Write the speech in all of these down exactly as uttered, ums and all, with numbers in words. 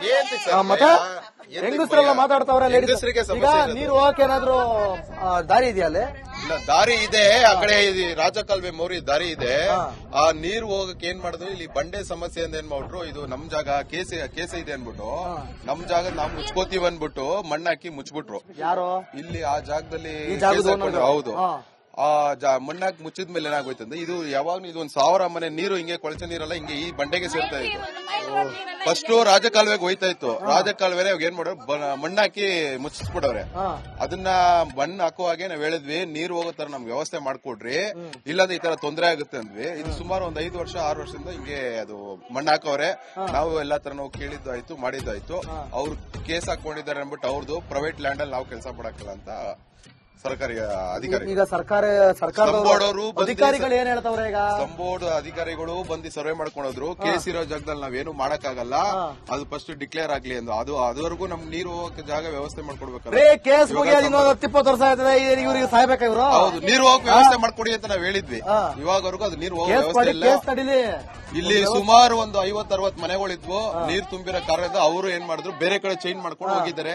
ಮತ್ತೆ ಹೆಂಗಸರೆಲ್ಲ ಮಾತಾಡ್ತಾವ್ರೆ. ಈಗ ನೀರು ಹೋಗಕ್ಕೆ ಏನಾದ್ರು ದಾರಿ ಇದೆಯಾ ಅಲ್ಲಿ? ದಾರಿ ಇದೆ, ಆ ಕಡೆ ರಾಜಕಾಲುವೆ ಮೋರಿ ದಾರಿ ಇದೆ. ಆ ನೀರು ಹೋಗಕ್ಕೆ ಏನ್ ಮಾಡಿದ್ರು, ಇಲ್ಲಿ ಬಂಡೆ ಸಮಸ್ಯೆ ಅಂತ ಏನ್ ಮಾಡ್ಬಿಟ್ರು, ಇದು ನಮ್ ಜಾಗ ಕೇಸ ಕೇಸ ಇದೆ ಅನ್ಬಿಟ್ಟು ನಮ್ ಜಾಗ ನಾವ್ ಮುಚ್ಕೋತೀವಿ ಅನ್ಬಿಟ್ಟು ಮಣ್ಣಾಕಿ ಮುಚ್ಬಿಟ್ರು. ಯಾರು ಇಲ್ಲಿ ಆ ಜಾಗದಲ್ಲಿ? ಹೌದು. ಆ ಮಣ್ಣಾಕ್ ಮುಚ್ಚಿದ್ಮೇಲೆ ಏನಾಗೋಯ್ತು ಅಂದ್ರೆ, ಇದು ಯಾವಾಗ್ಲೂ ಇದು ಒಂದ್ ಸಾವಿರ ಮನೆ ನೀರು ಹಿಂಗೆ ಕೊಳಚೆ ನೀರೆಲ್ಲ ಹಿಂಗೆ ಈ ಬಂಡೆಗೆ ಸೇರ್ತಾ ಇತ್ತು. ಫಸ್ಟ್ ರಾಜಕಾಲುವೆಗೆ ಹೋಯ್ತಾ ಇತ್ತು. ರಾಜಕಾಲುವೆ ಏನ್ ಮಾಡೋರು, ಮಣ್ಣಾಕಿ ಮುಚ್ಚಿಸ್ಬಿಡವ್ರೆ. ಅದನ್ನ ಮಣ್ಣು ಹಾಕುವಾಗೆ ನಾವ್ ಹೇಳಿದ್ವಿ, ನೀರು ಹೋಗೋ ತರ ನಮ್ಗೆ ವ್ಯವಸ್ಥೆ ಮಾಡ್ಕೊಡ್ರಿ, ಇಲ್ಲಾಂದ್ರೆ ಈ ತರ ತೊಂದರೆ ಆಗುತ್ತೆ ಅಂದ್ವಿ. ಇದು ಸುಮಾರು ಒಂದ್ ಐದು ವರ್ಷ ಆರು ವರ್ಷದಿಂದ ಹಿಂಗೆ ಅದು ಮಣ್ಣು ಹಾಕವ್ರೆ. ನಾವು ಎಲ್ಲಾ ತರ ನಾವು ಕೇಳಿದ್ದು ಆಯ್ತು, ಮಾಡಿದ್ದಾಯ್ತು. ಅವ್ರು ಕೇಸ್ ಹಾಕೊಂಡಿದ್ದಾರೆ ಅಂದ್ಬಿಟ್ಟು ಅವ್ರದ್ದು ಪ್ರೈವೇಟ್ ಲ್ಯಾಂಡ್ ಅಲ್ಲಿ ನಾವು ಕೆಲಸ ಮಾಡಕ್ಕಿಲ್ಲ ಅಂತ ಸರ್ಕಾರಿ ಅಧಿಕಾರಿ. ಈಗ ಸರ್ಕಾರ ಸರ್ಕಾರದವರು ಅಧಿಕಾರಿಗಳು ಏನ್ ಹೇಳ್ತಾವ್ರೆ? ಈಗ ಸಂಬೋರ್ಡ್ ಅಧಿಕಾರಿಗಳು ಬಂದು ಸರ್ವೆ ಮಾಡ್ಕೊಂಡೋದ್ರು, ಕೇಸ್ ಇರೋ ಜಾಗದಲ್ಲಿ ನಾವೇನು ಮಾಡಕ್ಕಾಗಲ್ಲ, ಅದು ಫಸ್ಟ್ ಡಿಕ್ಲೇರ್ ಆಗ್ಲಿ ಅಂದ್ರು. ಅದು ಅದುವರೆಗೂ ನಮ್ ನೀರು ಹೋಗಕ್ಕೆ ಜಾಗ ವ್ಯವಸ್ಥೆ ಮಾಡ್ಕೊಡ್ಬೇಕಲ್ಲ. ಕೇಸ್ ಇಪ್ಪತ್ತು ವರ್ಷ ಆಯ್ತದೆ, ಇವ್ರಿಗೆ ಸಾಯ್ಬೇಕ ಇವರು. ಹೌದು, ನೀರು ಹೋಗಕ್ ವ್ಯವಸ್ಥೆ ಮಾಡ್ಕೊಡಿ ಅಂತ ನಾವ್ ಹೇಳಿದ್ವಿ. ಇವಾಗವರೆಗೂ ಅದು ನೀರು ಹೋಗೋ ವ್ಯವಸ್ಥೆ ಇಲ್ಲ. ಇಲ್ಲಿ ಸುಮಾರು ಒಂದು ಐವತ್ ಅರವತ್ ಮನೆಗಳಿದ್ವು, ನೀರು ತುಂಬಿರೋ ಕಾರ್ಯದ ಅವರು ಏನ್ ಮಾಡಿದ್ರು, ಬೇರೆ ಕಡೆ ಚೇಂಜ್ ಮಾಡ್ಕೊಂಡು ಹೋಗಿದ್ದಾರೆ.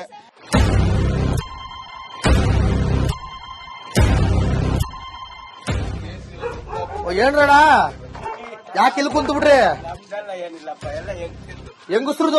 ಏನ್ರಣ ಯಾಕೆ ಇಲ್ಲಿ ಕುಂತು ಬಿಡ್ರಿ? ಹೆಂಗಸ್ರದು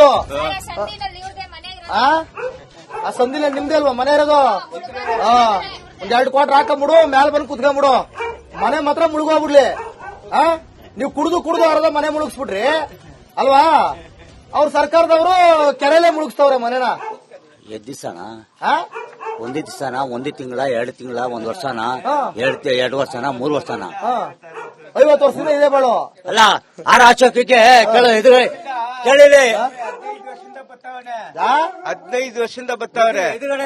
ಆ ಸಂದಿನ ನಿಮ್ದೇ ಅಲ್ವಾ ಮನೆ ಇರೋದು? ಹಾ, ಒಂದ್ ಎರಡು ಕ್ವಾರ್ಟರ್ ಹಾಕೊಂಬಿಡು, ಮ್ಯಾಲ ಬಂದು ಕುತ್ಕೊಂಡ್ಬಿಡು, ಮನೆ ಮಾತ್ರ ಮುಳುಗೋಗ್ಬಿಡ್ಲಿ. ಆ ನೀವು ಕುಡ್ದು ಕುಡ್ದು ಅರ್ಧ ಮನೆ ಮುಳುಗಿಸ್ಬಿಡ್ರಿ ಅಲ್ವಾ? ಅವ್ರ ಸರ್ಕಾರದವರು ಕೆರೆಯಲ್ಲೇ ಮುಳುಗಿಸ್ತವ್ರೆ ಮನೆನ. ಎದ್ ದಿವ್ಸನ ಒಂದೇ ದಿವ್ಸನ, ಒಂದೇ ತಿಂಗಳ, ಎರಡು ತಿಂಗಳ, ಒಂದ್ ವರ್ಷನ, ಎರಡ್ ಎರಡು ವರ್ಷನ, ಮೂರ್ ವರ್ಷನ, ಐವತ್ತು ವರ್ಷದಿಂದ ಇದೆ ಬಾಳು. ಅಲ್ಲ ಆರ ಅಶೋಕಕ್ಕೆ ಎದುರು ಕೇಳಿದೆ, ಹದಿನೈದು ವರ್ಷದಿಂದ ಬರ್ತಾವ್ರೆ.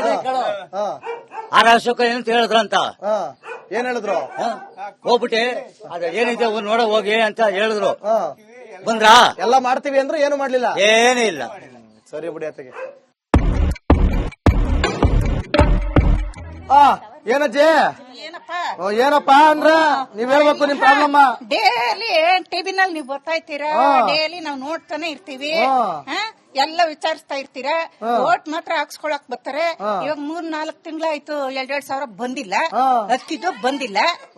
ಆರ ಅಶೋಕ ಏನಂತ ಹೇಳಿದ್ರಂತ. ಏನ್ ಹೇಳಿದ್ರು? ಹೋಗ್ಬಿಟ್ಟೆ ಅದ ಏನಿದೆ ನೋಡ ಹೋಗಿ ಅಂತ ಹೇಳಿದ್ರು. ಬಂದ್ರ ಎಲ್ಲ ಮಾಡ್ತೀವಿ ಅಂದ್ರೆ ಏನು ಮಾಡ್ಲಿಲ್ಲ, ಏನೂ ಇಲ್ಲ. ಸರಿ ಬಿಡಿ ಅತ್ತಿಗೆ. ಆ ಏನಜ್ಜಿ ಏನಪ್ಪಾ ಅಂದ್ರ ನೀವ್ ಹೇಳ್ಬೇಕು ನಿಮ್ ಪ್ರಾಬ್ಲಮ್. ಡೈಲಿ ಟಿವಿನಲ್ಲಿ ನೀವು ಬರ್ತಾ ಇರ್ತೀರಾ, ಡೈಲಿ ನಾವ್ ನೋಡ್ತಾನೆ ಇರ್ತೀವಿ, ಎಲ್ಲ ವಿಚಾರಿಸ್ತಾ ಇರ್ತೀರಾ. ಓಟ್ ಮಾತ್ರ ಹಾಕ್ಸ್ಕೊಳಕ್ ಬರ್ತಾರೆ. ಇವಾಗ ಮೂರ್ ನಾಲ್ಕು ತಿಂಗಳಾಯ್ತು, ಎರಡೆರಡ್ ಸಾವಿರ ಬಂದಿಲ್ಲ, ಅಕ್ಕಿದು ಬಂದಿಲ್ಲ.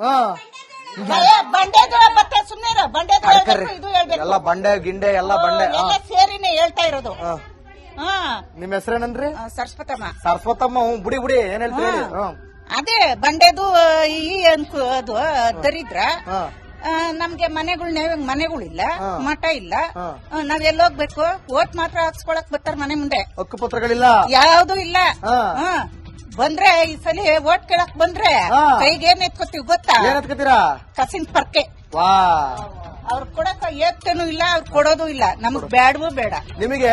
ಬಂಡೆದು ಬತ್ತೆ ಸುಮ್ನೆ ಬಂಡೆ ಇದು ಹೇಳ್ಬೇಕು, ಎಲ್ಲ ಬಂಡೆ ಗಿಂಡೆ ಎಲ್ಲ ಬಂಡೆ ಸೇರಿನೇ ಹೇಳ್ತಾ ಇರೋದು. ನಿಮ್ ಹೆಸರೇನಂದ್ರಿ? ಸರಸ್ವತಮ್ಮ. ಸರಸ್ವತಮ್ಮ, ಬುಡಿ ಬುಡಿ ಏನ್ ಹೇಳ್ತೀರಿ? ಅದೇ ಬಂಡೆದು ಈ ಅದು ದರಿದ್ರ. ನಮ್ಗೆ ಮನೆಗಳನ್ನ ಮನೆಗಳಿಲ್ಲ, ಮಠ ಇಲ್ಲ, ನಾವ್ ಎಲ್ಲೋಗ್ಬೇಕು? ಓಟ್ ಮಾತ್ರ ಹಾಕ್ಸ್ಕೊಳಕ್ ಬರ್ತಾರ ಮನೆ ಮುಂದೆ, ಹಕ್ಕುಪತ್ರಗಳಿಲ್ಲ, ಯಾವ್ದು ಇಲ್ಲ. ಬಂದ್ರೆ ಈ ಸಲ ಓಟ್ ಕೇಳಕ್ ಬಂದ್ರೆ ಕೈಗೆ ಏನ್ ಎತ್ಕೋತೀವಿ ಗೊತ್ತಾ? ಏನ್ ಎತ್ಕೋತೀರಾ? ಕಸಿನ್ ಪರ್ಕೆ. ವಾ, ಅವ್ರು ಕೊಡಕ ಏತ್ತೇನು ಇಲ್ಲ, ಅವ್ರು ಕೊಡೋದು ಇಲ್ಲ. ನಮಗ್ ಬೇಡವೂ ಬೇಡ. ನಿಮಗೆ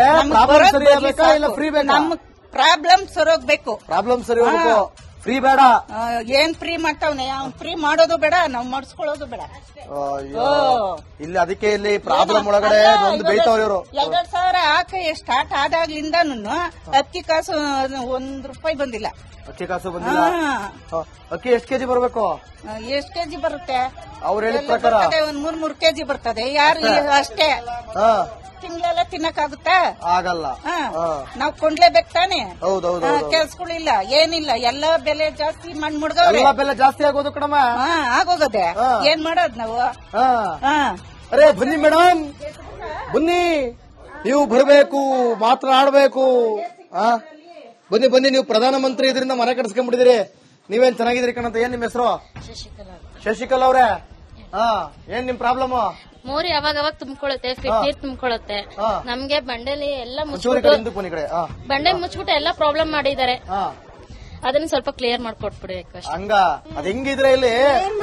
ನಮ್ ಪ್ರಾಬ್ಲಮ್ ಸರೋಗ್ಬೇಕು. ಪ್ರಾಬ್ಲಮ್ ಸರಿ ಹೋಗ್ಬೇಕು, ಫ್ರೀ ಬೇಡ. ಏನ್ ಫ್ರೀ ಮಾಡ್ತಾವನೆ, ಅವ್ನ್ ಫ್ರೀ ಮಾಡೋದು ಬೇಡ, ನಾವ್ ಮಾಡಿಸ್ಕೊಳ್ಳೋದು ಬೇಡ. ಇಲ್ಲಿ ಅದಕ್ಕೆ ಇಲ್ಲಿ ಪ್ರಾಬ್ಲಮ್ ಒಳಗಡೆ ಒಂದು ಬೈತಾವ್ರಿ ಇವರು. ಎರಡ್ ಸಾವಿರ ಹಾಕಿ ಸ್ಟಾರ್ಟ್ ಆದಾಗ್ಲಿಂದ ಅಕ್ಕಿ ಕಾಸು ಒಂದ್ ರೂಪಾಯಿ ಬಂದಿಲ್ಲ. ಅಕ್ಕಿ ಕಾಸು ಬಂದಿಲ್ಲ. ಅಕ್ಕಿ ಎಷ್ಟ್ ಕೆಜಿ ಬರ್ಬೇಕು? ಎಷ್ಟ್ ಕೆಜಿ ಬರುತ್ತೆ ಅವ್ರು ಹೇಳಿದ ಪ್ರಕಾರ? ಒಂದ್ ಮೂರ್ ಮೂರ್ ಕೆಜಿ ಬರ್ತದೆ. ಯಾರು ಅಷ್ಟೇ ತಿಂಗಳೆಲ್ಲ ತಿನ್ನಕ್ಕಾಗುತ್ತಾ? ಆಗಲ್ಲ. ನಾವ್ ಕೊಂಡ್ಲೇಬೇಕು ತಾನೆ. ಹೌದೌದು. ಕೆಲ್ಸಗಳಿಲ್ಲ, ಏನಿಲ್ಲ, ಎಲ್ಲ ಬೆಲೆ ಜಾಸ್ತಿ ಮಣ್ಣು ಮುಡ್ಗವ್ರೆ. ಬೆಲೆ ಜಾಸ್ತಿ ಆಗೋದು ಕಣಮ್ಮ. ಆಗೋಗದೆ, ಏನ್ ಮಾಡೋದ್ ನಾವು? ಅರೆ ಬನ್ನಿ ಮೇಡಮ್, ಬನ್ನಿ, ನೀವು ಬರಬೇಕು, ಮಾತನಾಡಬೇಕು. ಬನ್ನಿ ಬನ್ನಿ, ನೀವು ಪ್ರಧಾನಮಂತ್ರಿ ಇದರಿಂದ ಮನೆ ಕಟ್ಸ್ಕೊಂಡ್ಬಿಟ್ಟಿದಿರಿ, ನೀವೇನ್ ಚೆನ್ನಾಗಿದ್ರಿ ಕಣಂತ. ಏನ್ ನಿಮ್ ಹೆಸರು? ಶಶಿಕಲಾ ಅವ್ರೆ. ಹಾ, ಏನ್ ನಿಮ್ ಪ್ರಾಬ್ಲಮ್? ಮೋರಿ ಅವಾಗ ಅವಾಗ ತುಂಬಿಕೊಳ್ಳುತ್ತೆ, ನೀರ್ ತುಂಬಿಕೊಳ್ಳುತ್ತೆ. ನಮ್ಗೆ ಬಂಡೆಲಿ ಎಲ್ಲ ಮುಚ್ಚಿಬಿಟ್ಟು ಬಂಡೆ ಮುಚ್ಚಿಬಿಟ್ಟು ಎಲ್ಲ ಪ್ರಾಬ್ಲಮ್ ಮಾಡಿದ್ದಾರೆ. ಅದನ್ನ ಸ್ವಲ್ಪ ಕ್ಲಿಯರ್ ಮಾಡ್ಕೊಟ್ಬಿಡ್ಬೇಕು ಅಷ್ಟೇ. ಹಂಗ ಅದ್ ಹೆಂಗಿದ್ರೆ ಇಲ್ಲಿ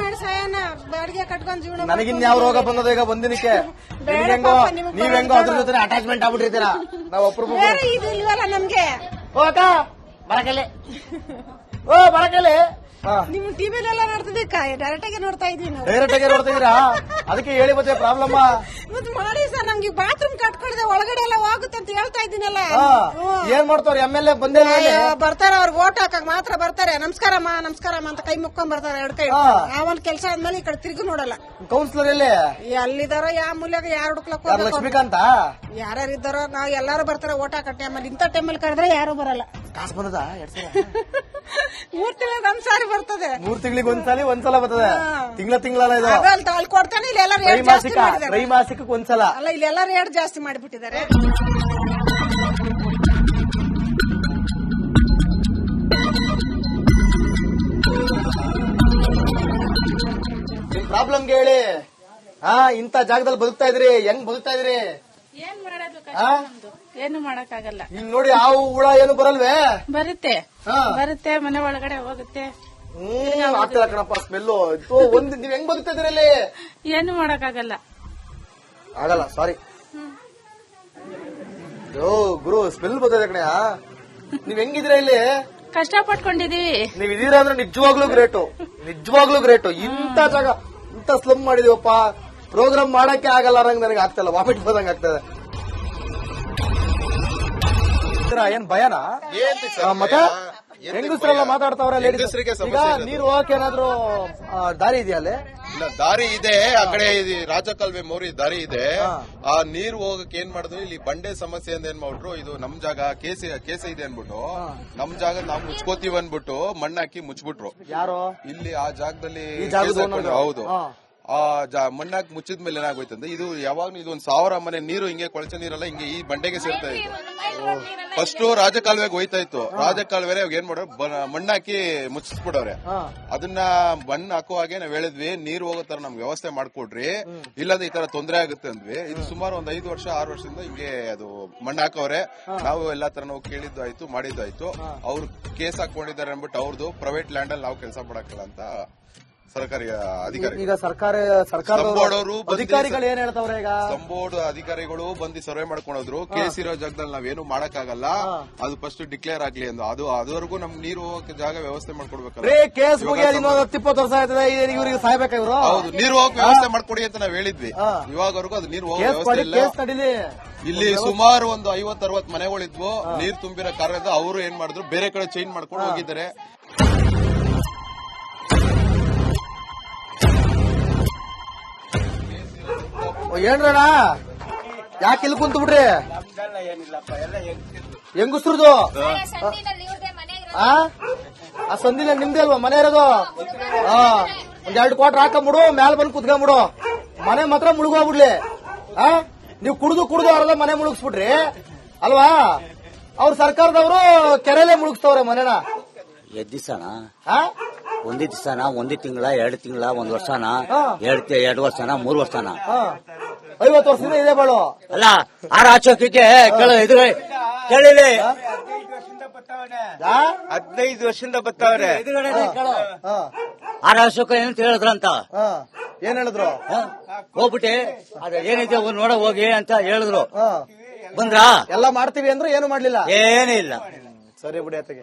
ನನಗಿನ್ ಯಾವ ರೋಗ ಬಂದದ ಈಗ ಬಂದಿನಕ್ಕೆ? ಹೆಂಗೋ ನೀವ್ ಹೆಂಗೋ ಅದ್ರ ಜೊತೆ ಅಟ್ಯಾಚ್ಮೆಂಟ್ ಆಗ್ಬಿಟ್ಟಿರ್ತೀರಾ. ನಾವ್ ಒಬ್ರು ನಮ್ಗೆ ಓ ಅಕ್ಕ ಬರಕಲೆ, ಓ ಬರಕಲೆ, ನಿಮ್ ಟಿವಿಲೆಲ್ಲ ನೋಡ್ತಿದ್ವಿ ಡೈರೆಕ್ಟ್ ಆಗಿ ನೋಡ್ತಾ ಇದೀವಿ ನಾವು. ಡೈರೆಕ್ಟ್ ಆಗಿ ನೋಡ್ತಿದ್ದೀರಾ? ಅದಕ್ಕೆ ಹೇಳಿ ಮತ್ತೆ ಪ್ರಾಬ್ಲಮ್ ಮತ್ ಮಾಡಿ ಸರ್, ನಂಗೆ ಬಾತ್ರೂಮ್ ಕಟ್ಕೊಳ್ದೆ ಒಳಗಡೆ ಎಲ್ಲ ಹೋಗುತ್ತೆ ಅಂತ ಹೇಳ್ತಾ ಇದ್ದೀನಲ್ಲ. ಏನ್ ಮಾಡ್ತಾವ್ರ ಎಮ್ ಎಲ್ ಎ ಬಂದೇ ಬರ್ತಾರೆ, ಅವ್ರಿಗೆ ಓಟ್ ಹಾಕಕ್ ಮಾತ್ರ ಬರ್ತಾರೆ. ನಮಸ್ಕಾರಮ್ಮ ನಮಸ್ಕಾರಮ್ಮ ಅಂತ ಕೈ ಮುಕ್ಕೊಂಡ್ ಬರ್ತಾರೆ ಎರಡು ಕೈ. ನಾವೊಂದ್ ಕೆಲಸ ಆದ್ಮೇಲೆ ಈ ಕಡೆ ತಿರುಗಿ ನೋಡಲ್ಲ. ಕೌನ್ಸಿಲರ್ ಎಲ್ಲಿ ಅಲ್ಲಿದಾರೋ ಯಾವ ಮೂಲ್ಯಾಗ ಯಾರು ಹುಡುಕ್ಲಕ್ ಲಕ್ಷ್ಮೀಕಾಂತ ಯಾರ್ಯಾರು ಇದ್ದಾರೋ ನಾವ್ ಎಲ್ಲಾರು ಬರ್ತಾರೆ ಓಟ್ ಹಾಕಟ್ಟೆ. ಆಮೇಲೆ ಇಂಥ ಟೈಮಲ್ಲಿ ಕರೆದ್ರೆ ಯಾರು ಬರಲ್ಲ. ಕಾಸು ಬಂದದ ಮೂರ್ ತಿಂಗಳ ಒಂದ್ ಸಾರಿ ಬರ್ತದೆ. ಮೂರ್ ತಿಂಗಳಿಗೆ ಒಂದ್ಸಲ ಒಂದ್ಸಲ ಬರ್ತದೆ. ತಿಂಗಳ ತಿಂಗಳ ಇದು ಅಲ್ಲಿ ಕೊಡ್ತಾನೆ. ಇಲ್ಲಿ ಎಲ್ಲ ರೇಟ್ ಜಾಸ್ತಿ ಮಾಡಿದ್ದಾರೆ. ತ್ರೈಮಾಸಿಕಕ್ಕೆ ಒಂದ್ಸಲ. ಅಲ್ಲ, ಇಲ್ಲೆಲ್ಲ ರೇಟ್ ಜಾಸ್ತಿ ಮಾಡಿಬಿಟ್ಟಿದ್ದಾರೆ. ನಿಮ್ ಪ್ರಾಬ್ಲಮ್ಗೆ ಹೇಳಿ. ಹಾ, ಇಂತ ಜಾಗದಲ್ಲಿ ಬದುಕ್ತಾ ಇದ್ರಿ, ಹೆಂಗ್ ಬದುಕ್ತಾ ಇದ್ರಿ? ಏನ್ ಮಾಡೋದು ಏನು ಮಾಡಕ್ಕಾಗಲ್ಲ. ಈಗ ನೋಡಿ, ಹಾವು ಹುಳ ಏನು ಬರಲ್ವೇ? ಬರುತ್ತೆ ಬರುತ್ತೆ ಮನೆ ಒಳಗಡೆ ಹೋಗುತ್ತೆ. ಹ್ಮ್ ಆಗ್ತದ ಕಣಪ್ಪ ಸ್ಮೆಲ್ಲು. ಒಂದ್ ನೀವ್ ಹೆಂಗ್ ಬದುಕ್ತಾ ಇದ್ರಿ ಅಲ್ಲಿ? ಏನು ಮಾಡಕ್ಕಾಗಲ್ಲ. ಆಗಲ್ಲ, ಸಾರಿ. ಓ ಗುರು, ಸ್ಮೆಲ್ ಬರ್ತದೆ ಕಣೆ. ನೀವ್ ಹೆಂಗಿದ್ರ ಇಲ್ಲಿ? ಕಷ್ಟ ಪಟ್ಕೊಂಡಿದೀವಿ. ನೀವ್ ಇದೀರಾ ಅಂದ್ರೆ ನಿಜವಾಗ್ಲೂ ಗ್ರೇಟು, ನಿಜವಾಗ್ಲೂ ಗ್ರೇಟು. ಇಂತ ಜಾಗ ಇಂತ ಸ್ಲಮ್ ಮಾಡಿದೀವಪ್ಪ. ಪ್ರೋಗ್ರಾಮ್ ಮಾಡಕ್ಕೆ ಆಗಲ್ಲ ನಂಗೆ, ನನಗೆ ಆಗ್ತಲ್ಲ, ವಾಮಿಟ್ ಬಂದಂಗ ಆಗ್ತದೆ. ಏನ್ ಭಯನಾ? ಮತ್ತೆ ಹೆಂಗಸ್ರೆಲ್ಲ ಮಾತಾಡ್ತಾವ್ರ ಲೇಡೀಸ್. ಈಗ ನೀರು ಹೋಗಕ್ಕೆ ಏನಾದ್ರು ದಾರಿ ಇದೆಯಾ ಅಲ್ಲಿ? ಇಲ್ಲ, ದಾರಿ ಇದೆ. ಆ ಕಡೆ ರಾಜಕಾಲುವೆ ಮೋರಿ ದಾರಿ ಇದೆ. ಆ ನೀರು ಹೋಗಕ್ಕೆ ಏನ್ ಮಾಡಿದ್ರು, ಇಲ್ಲಿ ಬಂಡೆ ಸಮಸ್ಯೆ ಅಂತ ಏನ್ ಮಾಡ್ಬಿಟ್ರು, ಇದು ನಮ್ ಜಾಗ ಕೇಸ ಕೇಸ ಇದೆ ಅನ್ಬಿಟ್ಟು ನಮ್ ಜಾಗ ನಾವ್ ಮುಚ್ಕೋತೀವಿ ಅನ್ಬಿಟ್ಟು ಮಣ್ಣಾಕಿ ಮುಚ್ಬಿಟ್ರು. ಯಾರು ಇಲ್ಲಿ ಆ ಜಾಗದಲ್ಲಿ ಈ ಜಾಗದ ಹೌದು. ಆ ಮಣ್ಣಾಕ್ ಮುಚ್ಚಿದ್ಮೇಲೆ ಏನಾಗೋಯ್ತಂದ್ರೆ, ಇದು ಯಾವಾಗ್ಲೂ ಇದು ಒಂದ್ ಸಾವಿರ ಮನೆ ನೀರು ಹಿಂಗೆ ಕೊಳಚೆ ನೀರೆಲ್ಲ ಹಿಂಗೆ ಈ ಬಂಡೆಗೆ ಸೇರ್ತಾ ಇತ್ತು. ಫಸ್ಟ್ ರಾಜಕಾಲುವೆಗೆ ಹೋಯ್ತಾ ಇತ್ತು. ರಾಜಕಾಲುವೆ ಏನ್ ಮಾಡೋರು, ಮಣ್ಣಾಕಿ ಮುಚ್ಚಿಸ್ಬಿಡವ್ರೆ. ಅದನ್ನ ಮಣ್ಣು ಹಾಕುವಾಗೆ ನಾವ್ ಹೇಳಿದ್ವಿ, ನೀರು ಹೋಗೋ ತರ ನಮ್ಗೆ ವ್ಯವಸ್ಥೆ ಮಾಡ್ಕೊಡ್ರಿ, ಇಲ್ಲಾಂದ್ರೆ ಈ ತರ ತೊಂದರೆ ಆಗುತ್ತೆ ಅಂದ್ವಿ. ಇದು ಸುಮಾರು ಒಂದ್ ಐದು ವರ್ಷ ಆರು ವರ್ಷದಿಂದ ಹಿಂಗೆ ಅದು ಮಣ್ಣು ಹಾಕವ್ರೆ. ನಾವು ಎಲ್ಲಾ ತರ ನಾವು ಕೇಳಿದ್ದು ಆಯ್ತು, ಮಾಡಿದ್ದು ಆಯ್ತು. ಅವ್ರು ಕೇಸ್ ಹಾಕೊಂಡಿದ್ದಾರೆ ಅನ್ಬಿಟ್ಟು ಅವ್ರದ್ದು ಪ್ರೈವೇಟ್ ಲ್ಯಾಂಡ್ ಅಲ್ಲಿ ನಾವು ಕೆಲಸ ಮಾಡಕ್ಕಲ್ಲ ಅಂತ ಸರ್ಕಾರಿ ಅಧಿಕಾರಿ. ಈಗ ಸರ್ಕಾರ ಸರ್ಕಾರ ಅಧಿಕಾರಿಗಳು ಏನ್ ಹೇಳ್ತಾವ್ರೆ? ಈಗ ಸಂಬೋರ್ಡ್ ಅಧಿಕಾರಿಗಳು ಬಂದು ಸರ್ವೆ ಮಾಡ್ಕೊಂಡೋದ್ರು. ಕೇಸ್ ಇರೋ ಜಾಗದಲ್ಲಿ ನಾವೇನು ಮಾಡಕ್ಕಾಗಲ್ಲ, ಅದು ಫಸ್ಟ್ ಡಿಕ್ಲೇರ್ ಆಗ್ಲಿ ಅಂದು. ಅದು ಅದುವರೆಗೂ ನಮ್ಗೆ ನೀರು ಹೋಗಕ್ಕೆ ಜಾಗ ವ್ಯವಸ್ಥೆ ಮಾಡ್ಕೊಡ್ಬೇಕಲ್ಲ. ಕೇಸ್ ಹತ್ತಿಪ್ಪತ್ತು ವರ್ಷ ಆಯ್ತದೆ, ಇವ್ರಿಗೆ ಸಾಯ್ಬೇಕ ಇವರು. ಹೌದು, ನೀರು ಹೋಗಕ್ಕೆ ವ್ಯವಸ್ಥೆ ಮಾಡ್ಕೊಡಿ ಅಂತ ನಾವ್ ಹೇಳಿದ್ವಿ. ಇವಾಗವರೆಗೂ ಅದು ನೀರು ಹೋಗೋ ವ್ಯವಸ್ಥೆ ಇಲ್ಲ. ಇಲ್ಲಿ ಸುಮಾರು ಒಂದು ಐವತ್ ಅರವತ್ ಮನೆಗಳಿದ್ವು, ನೀರು ತುಂಬಿರೋ ಕಾರಣದಿಂದ ಅವರು ಏನ್ ಮಾಡಿದ್ರು, ಬೇರೆ ಕಡೆ ಚೇಂಜ್ ಮಾಡ್ಕೊಂಡು ಹೋಗಿದ್ದಾರೆ. ಏನ್ರಣ, ಯಾಕೆ ಇಲ್ಲಿ ಕುಂತು ಬಿಡ್ರಿ? ಹೆಂಗಸ್ರದು ಆ ಸಂದಿನ ನಿಮ್ದೇ ಅಲ್ವಾ ಮನೆ ಇರೋದು? ಹಾ, ಒಂದ್ ಎರಡು ಕ್ವಾರ್ಟರ್ ಹಾಕೊಂಬಿಡು, ಮ್ಯಾಲ ಬಂದು ಕುತ್ಕೊಂಬಿಡು. ಮನೆ ಮಾತ್ರ ಮುಳುಗೋಗ್ಬಿಡ್ಲಿ. ಆ ನೀವು ಕುಡ್ದು ಕುಡ್ದು ಅವ್ರೆಲ್ಲ ಮನೆ ಮುಳುಗಿಸ್ಬಿಡ್ರಿ ಅಲ್ವಾ? ಅವ್ರ ಸರ್ಕಾರದವರು ಕೆರೆಲೆ ಮುಳುಗಿಸ್ತವ್ರೆ ಮನೆನ. ಎದ್ ದಿವ್ಸನ ಒಂದೇ ದಿವ್ಸನ, ಒಂದೇ ತಿಂಗಳ, ಎರಡು ತಿಂಗಳ, ಒಂದ್ ವರ್ಷನ, ಎರಡ್ ಎರಡು ವರ್ಷನ, ಮೂರ್ ವರ್ಷನ, ಐವತ್ತು ವರ್ಷದಿಂದ ಇದೆ ಬಾಳು. ಅಲ್ಲ ಆರ್ ಆಚೋಕಿಗೆ ಇದು ಕೇಳಿಲಿ. ಹದಿನೈದು ವರ್ಷದಿಂದ ಬರ್ತಾವ್ರೆ. ಆರ್ ಅಶೋಕ ಏನಂತ ಹೇಳಿದ್ರಂತ. ಏನ್ ಹೇಳಿದ್ರು? ಹೋಗ್ಬಿಟ್ಟೆ ಅದ ಏನಿದೆ ನೋಡ ಹೋಗಿ ಅಂತ ಹೇಳಿದ್ರು. ಬಂದ್ರ ಎಲ್ಲ ಮಾಡ್ತೀವಿ ಅಂದ್ರೆ ಏನು ಮಾಡ್ಲಿಲ್ಲ, ಏನೂ ಇಲ್ಲ. ಸರಿ ಬಿಡಿ ಅತ್ತಿಗೆ.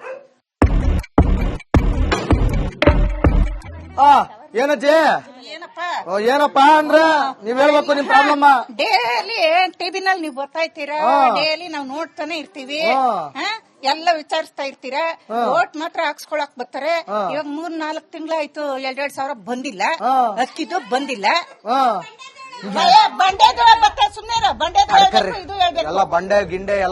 ಆ ಏನಜ್ಜಿ? ಏನಪ್ಪಾ ಅಂದ್ರ ನೀವ್ ಹೇಳ್ಬೇಕು ನಿಮ್ ಪ್ರಾಬ್ಲಮ್. ಡೈಲಿ ಟಿವಿನಲ್ಲಿ ನೀವು ಬರ್ತಾ ಇರ್ತೀರಾ, ಡೈಲಿ ನಾವು ನೋಡ್ತಾನೆ ಇರ್ತೀವಿ. ಎಲ್ಲ ವಿಚಾರಿಸ್ತಾ ಇರ್ತೀರಾ. ಓಟ್ ಮಾತ್ರ ಹಾಕ್ಸ್ಕೊಳಕ್ ಬರ್ತಾರೆ. ಇವಾಗ ಮೂರ್ ನಾಲ್ಕು ತಿಂಗಳಾಯ್ತು, ಎರಡೆರಡ್ ಸಾವಿರ ಬಂದಿಲ್ಲ. ಅಕ್ಕಿದು ಬಂದಿಲ್ಲ. ಬಂಡೆ ಸುಮ್ನೆ ಬಂಡೆ ಎಲ್ಲ ಬಂಡೆ ಗಿಂಡೆ